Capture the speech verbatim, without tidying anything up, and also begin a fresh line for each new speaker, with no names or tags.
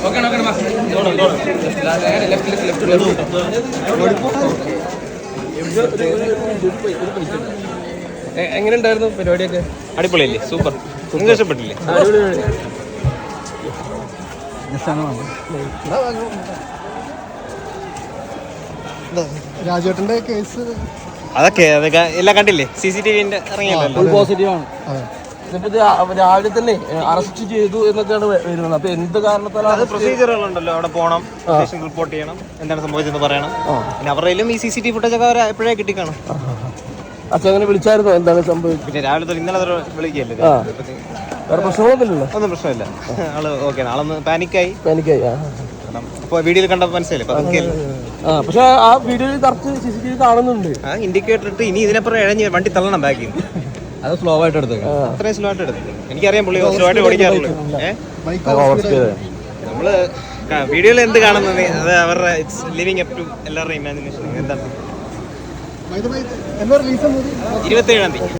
എങ്ങനെയുണ്ടായിരുന്നു പരിപാടിയൊക്കെ?
അടിപൊളിയല്ലേ? സൂപ്പർ. നിങ്ങൾക്ക് ഇഷ്ടപ്പെട്ടില്ലേ?
രാജേട്ടന്റെ കേസ്
അതൊക്കെ അതൊക്കെ എല്ലാം കണ്ടില്ലേ? സി സി ടി വിന്റെ ഇറങ്ങിയല്ലോ.
പോസിറ്റീവാണ്. രാവിലെ തന്നെ അറസ്റ്റ് ചെയ്തു എന്നൊക്കെയാണ് വരുന്നത്. അപ്പൊ എന്ത് കാരണത്താലാണ്?
പ്രൊസീജിയറുകളുണ്ടല്ലോ, അവിടെ പോകണം, സ്റ്റേഷൻ റിപ്പോർട്ട് ചെയ്യണം, എന്താണ് സംഭവിച്ചതെന്ന് പറയണം. പിന്നെ അവരുടെയും ഈ സി സി ടി ഫുട്ടേജ് ഒക്കെ അവർ എപ്പോഴേ കിട്ടിക്കാണും.
അച്ഛൻ അങ്ങനെ വിളിച്ചായിരുന്നോ എന്താണ് സംഭവിച്ചത്?
പിന്നെ രാവിലെ തൊട്ട് ഇന്നലെ വിളിക്കല്ലേ.
വേറെ പ്രശ്നമൊന്നുമില്ലല്ലോ?
ഒന്നും പ്രശ്നമില്ല. ആള് ഓക്കെ. ആളൊന്ന് പാനിക്കായി
പാനിക്കായി
അപ്പോൾ വീഡിയോയിൽ കണ്ടപ്പോൾ മനസ്സിലായില്ലേ?
പക്ഷെ ആ വീഡിയോയിൽ correct C C T V കാണുന്നുണ്ട്.
ആ ഇൻഡിക്കേറ്റർ ഇട്ട് ഇനി ഇതിനപ്പുറം ഇഴഞ്ഞ് വണ്ടി തള്ളണം ബാക്കിൽ.
അത് സ്ലോ ആയിട്ട് എടുത്തത്.
അത്രയും സ്ലോ ആയിട്ട് എടുത്തത്. എനിക്കറിയാം പുള്ളി സ്ലോ ആയിട്ട് ഓടിക്കാറുള്ളൂ. ഏഹ് നമ്മള് വീഡിയോയിൽ എന്ത് കാണുന്നത് അത് അവരുടെ ലിവിങ് അപ് ടു എല്ലാവരുടെയും ഇമാജിനേഷൻ. എന്താണ്?
ഇരുപത്തി ഏഴാം തീയതി